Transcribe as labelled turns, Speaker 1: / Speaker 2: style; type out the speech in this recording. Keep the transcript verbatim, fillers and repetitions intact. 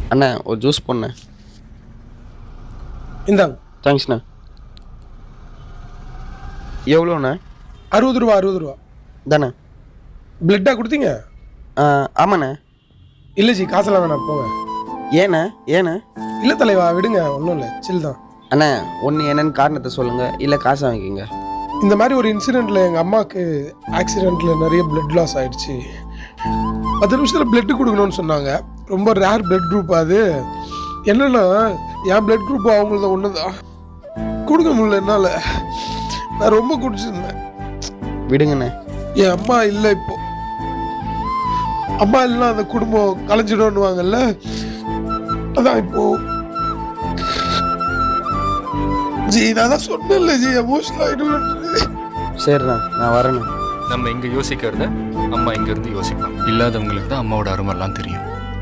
Speaker 1: அண்ணா ஒரு ஜூஸ் போண்ணே.
Speaker 2: இந்தாங்க.
Speaker 1: தேங்க்ஸ்ண்ணா. எவ்வளோண்ணே?
Speaker 2: அறுபது ரூபா அறுபது ரூபா
Speaker 1: தானே.
Speaker 2: பிளட்டா கொடுத்தீங்க?
Speaker 1: ஆமாண்ணே.
Speaker 2: இல்லை ஜி, காசெல்லாம் வேணாம், போங்க.
Speaker 1: ஏண்ணே ஏண்ணே?
Speaker 2: இல்லை தலைவா, விடுங்க, ஒன்றும் இல்லை, சில் தான்.
Speaker 1: அண்ணா ஒன்று என்னன்னு காரணத்தை சொல்லுங்கள், இல்லை காசை வாங்கிக்கோங்க.
Speaker 2: இந்த மாதிரி ஒரு இன்சிடெண்ட்டில் எங்கள் அம்மாவுக்கு ஆக்சிடெண்ட்டில் நிறைய பிளட் லாஸ் ஆகிடுச்சு. பத்து நிமிஷத்தில் பிளட்டு கொடுக்கணும்னு சொன்னாங்க. ரொம்ப ரேர் பிளட் குரூப் அது. என்னென்னா என் பிளட் குரூப் அவங்களது ஒன்று தான். கொடுக்க முடியல என்னால். நான் ரொம்ப குடிச்சிருந்தேன்.
Speaker 1: விடுங்கண்ணே.
Speaker 2: என் அம்மா இல்லை இப்போ. அம்மா இல்லைன்னா அந்த குடும்பம் கலைஞ்சிடும்னுவாங்கல்ல, அதான் இப்போ. ஜி நான் தான் சொன்னேன்ல ஜி, எமோஷனல் ஆகிடுவேன்.
Speaker 1: சரிண்ணா, நான் வரேண்ணா.
Speaker 3: நம்ம இங்கே யோசிக்கிறத அம்மா இங்கேருந்து யோசிப்பாங்க. இல்லாதவங்களுக்கு தான் அம்மாவோட அருமெல்லாம் தெரியும்.